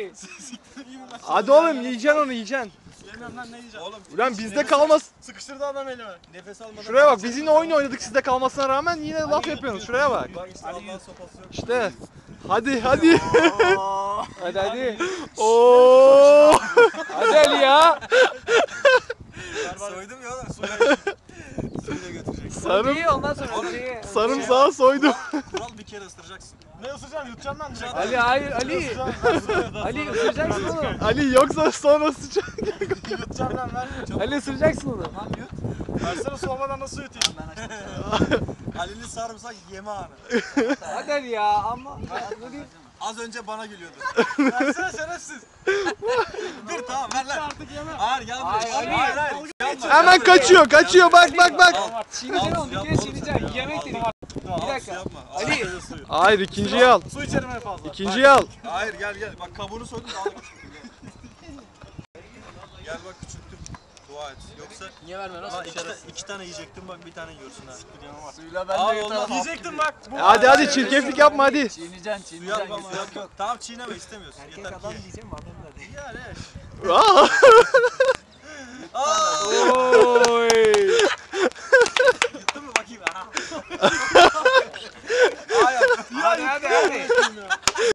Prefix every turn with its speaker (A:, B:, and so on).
A: Ali.
B: Hadi oğlum yiyeceksin onu yiyeceksin.
C: Yemem lan ne yiyeceğim? Oğlum.
B: Ulan bizde kalmaz.
C: Sıkıştırdı adam elime. Nefes almadan.
B: Şuraya bak biz yine oyun oynadık sizde kalmasına rağmen yine laf yapıyorsunuz. Şuraya bak.
C: Bak işte Allah'ın sopası yok.
B: İşte. Hadi.
A: Hadi hadi.
B: Oo.
A: Hadi Ali ya.
C: Soydum ya oğlum. Suyla götürecek.
B: Sarım.
A: Ondan sonra
B: Sarımsağı soydum.
C: Kural bir kere ısıracaksın. Ne ısıracaksın? Yutacaksın lan direkt.
A: Ali hayır Ali. Ali ısıracaksın onu.
B: Ali yoksa sonra sıçacak.
C: Yutacağım lan ver.
A: Ali ısıracaksın onu.
C: Tamam yut. Versene soğumadan nasıl yutayım? Ben açtım. Ali'nin sarımsak yeme anı.
A: Hadi Ali ya ama.
C: Az önce bana gülüyordu. Versene şerefsiz. Dur tamam ver lan. Artık yeme. Hayır gel buraya.
A: Hayır,
C: Hayır.
B: Hemen kaçıyor. Bak.
A: Çiğneyeceksin onu. Bir kere çiğneyeceksin. Yemek dedik. Bir dakika.
C: Yapma.
A: Ali.
B: Hayır ikinciyi al.
C: Su içerim en fazla.
B: İkinciyi al.
C: Hayır gel. Bak kabuğunu soydum daha da küçülttüm. Gel bak küçülttüm. Dua et. Yoksa
A: Niye vermiyorsun?
C: lan iki tane yiyecektim bak bir tane yiyorsun ha.
A: Suyla
C: Ben de yutarım. Yiyecektim bak.
B: Hadi çirkeflik yapma hadi.
A: Çiğneyeceksin.
C: Suyu al baba. Yok. Tamam çiğneme istemiyorsun. Yeter ki.
A: diyeceğim adam da değil.
C: Yani.
B: Aa.
C: Aa.
A: Oo.